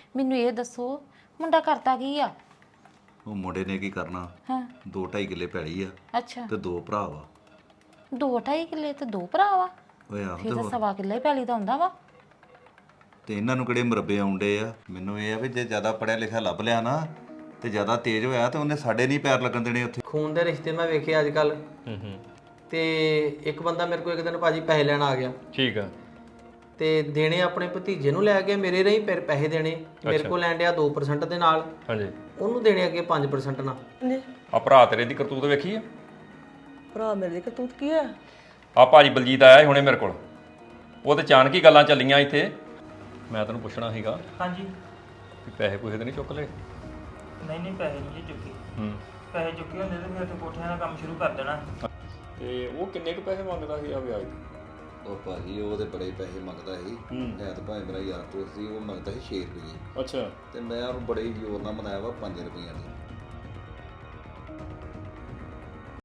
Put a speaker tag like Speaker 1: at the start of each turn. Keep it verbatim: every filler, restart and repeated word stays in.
Speaker 1: ਮੈਨੂੰ ਇਹ ਦੱਸੋ ਮੁੰਡਾ ਕਰਤਾ ਕੀ ਆ?
Speaker 2: ਉਹ ਮੁੰਡੇ ਨੇ ਕੀ ਕਰਨਾ,
Speaker 1: ਹਾਂ
Speaker 2: ਦੋ ਢਾਈ ਕਿੱਲੇ ਪੈਲੀ ਆ
Speaker 1: ਅੱਛਾ
Speaker 2: ਤੇ ਦੋ ਭਰਾ ਵਾ।
Speaker 1: ਦੋ ਢਾਈ ਕਿੱਲੇ ਤੇ ਦੋ ਭਰਾ ਵਾ?
Speaker 2: ਓਏ ਆਹ
Speaker 1: ਫਿਰ
Speaker 2: ਤੇ
Speaker 1: ਤਾਂ
Speaker 2: ਹੋਰ।
Speaker 1: ਸਵਾ ਕਿੱਲੇ ਪੈਲੀ ਤਾਂ ਹੁੰਦਾ ਵਾ।
Speaker 2: ਤੇ ਇਹਨਾਂ ਨੂੰ ਕਿਹੜੇ ਮੁਰੱਬੇ ਆਉਂਦੇ ਆ। ਮੈਨੂੰ ਇਹ ਆ ਵੀ ਜੇ ਜ਼ਿਆਦਾ ਪੜਿਆ ਲਿਖਿਆ ਲੱਭ ਲਿਆ ਨਾ ਤੇ ਜ਼ਿਆਦਾ ਤੇਜ਼ ਹੋਇਆ ਤੇ ਉਹਨੇ ਸਾਡੇ ਨਹੀਂ ਪੈਰ ਲੱਗਣ ਦੇਣੇ ਉੱਥੇ।
Speaker 3: ਖੂਨ ਦੇ ਰਿਸ਼ਤੇ ਮੈਂ ਵੇਖੇ ਅੱਜ ਕੱਲ।
Speaker 4: ਹੂੰ ਹੂੰ
Speaker 3: ਤੇ ਇੱਕ ਬੰਦਾ ਮੇਰੇ ਕੋਲ ਇੱਕ ਦਿਨ ਭਾਜੀ ਪੈਸੇ ਲੈਣ ਆ ਗਿਆ
Speaker 4: ਠੀਕ ਆ।
Speaker 3: ਤੇ ਦੇਣੇ ਆਪਣੇ ਭਤੀਜੇ ਨੂੰ ਲੈ ਕੇ ਮੇਰੇ ਰਹੀ ਫਿਰ ਪੈਸੇ ਦੇਣੇ ਮੇਰੇ ਕੋਲ ਲੈਣ ਡਿਆ ਦੋ ਪਰਸੈਂਟ ਦੇ ਨਾਲ,
Speaker 4: ਹਾਂਜੀ
Speaker 3: ਉਹਨੂੰ ਦੇਣੇ ਅੱਗੇ ਪੰਜ ਪਰਸੈਂਟ ਨਾਲ।
Speaker 4: ਆ ਭਰਾ ਤੇਰੇ ਦੀ ਕਰਤੂਤ ਵੇਖੀ ਆ?
Speaker 5: ਭਰਾ ਮੇਰੇ ਦੀ ਕਰਤੂਤ ਕੀ ਹੈ?
Speaker 4: ਆ ਭਾਜੀ ਬਲਜੀਤ ਆਇਆ ਸੀ ਹੁਣੇ ਮੇਰੇ ਕੋਲ, ਉਹ ਤੇ ਅਚਾਨਕ ਹੀ ਗੱਲਾਂ ਚੱਲੀਆਂ ਇੱਥੇ। ਮੈਂ ਤੈਨੂੰ ਪੁੱਛਣਾ ਸੀਗਾ
Speaker 6: ਹਾਂਜੀ।
Speaker 4: ਵੀ ਪੈਸੇ ਪੂਸੇ ਤੇ ਨਹੀਂ ਚੁੱਕ ਲਏ?
Speaker 6: ਨਹੀਂ ਨਹੀਂ ਪੈਸੇ ਨਹੀਂ ਜੀ ਚੁੱਕੇ।
Speaker 4: ਹੂੰ
Speaker 6: ਪੈਸੇ ਚੁੱਕੇ ਹੁੰਦੇ ਤੇ ਫਿਰ ਤੇ ਕੋਠਿਆਂ ਦਾ ਕੰਮ ਸ਼ੁਰੂ ਕਰ ਦੇਣਾ।
Speaker 4: ਤੇ ਉਹ ਕਿੰਨੇ ਕੁ ਪੈਸੇ ਮੰਗਦਾ ਸੀ ਆ ਵਿਆਜ?
Speaker 2: ਉਹ ਭਾਜੀ ਉਹ ਤੇ ਬੜੇ ਪੈਸੇ ਮੰਗਦਾ ਸੀ।
Speaker 4: ਹੂੰ
Speaker 2: ਹੈ ਤਾਂ ਭਾਵੇਂ ਮੇਰਾ ਯਾਰ ਦੋਸਤ ਸੀ, ਉਹ ਮੰਗਦਾ ਸੀ ਛੇ ਰੁਪਏ।
Speaker 4: ਅੱਛਾ
Speaker 2: ਤੇ ਮੈਂ ਉਹਨੂੰ ਬੜੇ ਹੀ ਜ਼ੋਰ ਨਾਲ ਮਨਾਇਆ ਵਾ ਪੰਜ ਰੁਪਈਆਂ ਦੀ।